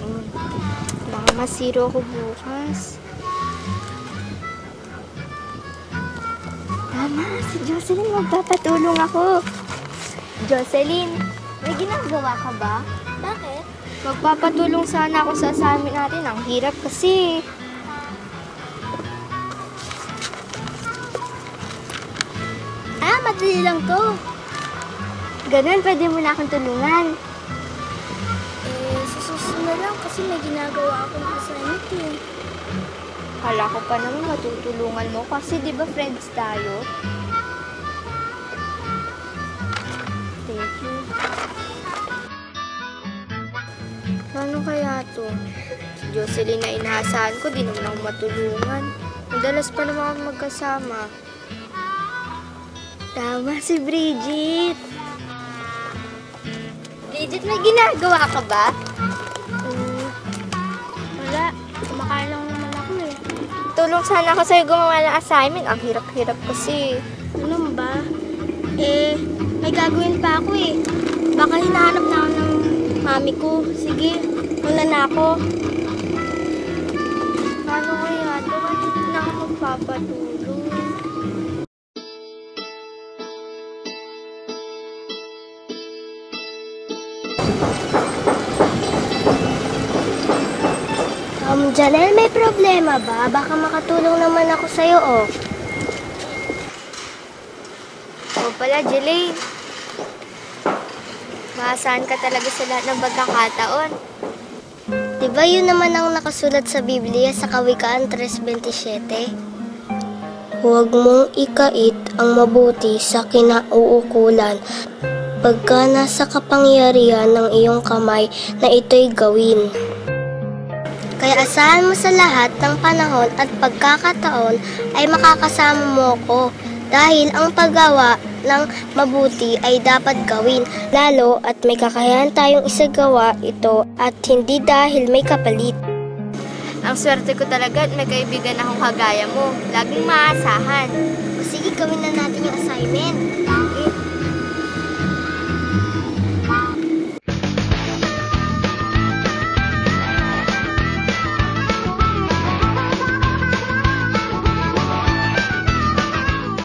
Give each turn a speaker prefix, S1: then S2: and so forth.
S1: Baka masiro ako bukas. Tama, si Jocelyn, magpapatulong ako. Jocelyn, may ginagawa ka ba?
S2: Bakit?
S1: Magpapatulong sana ako sa assignment natin. Ang hirap kasi.
S2: Madali lang to.
S1: Ganun, pwede mo na akong tulungan.
S2: Sa susunod na lang kasi may ginagawa akong assignment eh.
S1: Kala ko pa naman matutulungan mo kasi di ba friends tayo? Thank you. Paano kaya to? Si Jocelyn na inaasahan ko, di naman ako matulungan. Madalas pa naman ako magkasama. Tama si Bridget. Bridget, may ginagawa ka ba?
S2: Wala. Kumakain lang naman ako eh.
S1: Tulong sana ako sa'yo gumawa ng assignment. Ang hirap-hirap kasi.
S2: Ano ba? May gagawin pa ako eh. Baka hinahanap na ako ng mami ko. Sige, una na ako.
S1: Paano kaya? Bakit na ako magpapatulong?
S2: Janelle, may problema ba? Baka makatulong naman ako sa'yo, oh.
S1: O pala, Jelaine. Maasahan ka talaga sa lahat ng pagkakataon.
S2: Diba yun naman ang nakasulat sa Biblia sa Kawikaan 3:27? Huwag mong ikait ang mabuti sa kinauukulan pagka nasa kapangyarihan ng iyong kamay na ito'y gawin. Kaya asahan mo sa lahat ng panahon at pagkakataon ay makakasama mo ko dahil ang paggawa ng mabuti ay dapat gawin, lalo at may kakayahan tayong isagawa ito at hindi dahil may kapalit.
S1: Ang swerte ko talaga at may kaibigan akong kagaya mo. Laging maasahan.
S2: O sige, gawin na natin yung assignment.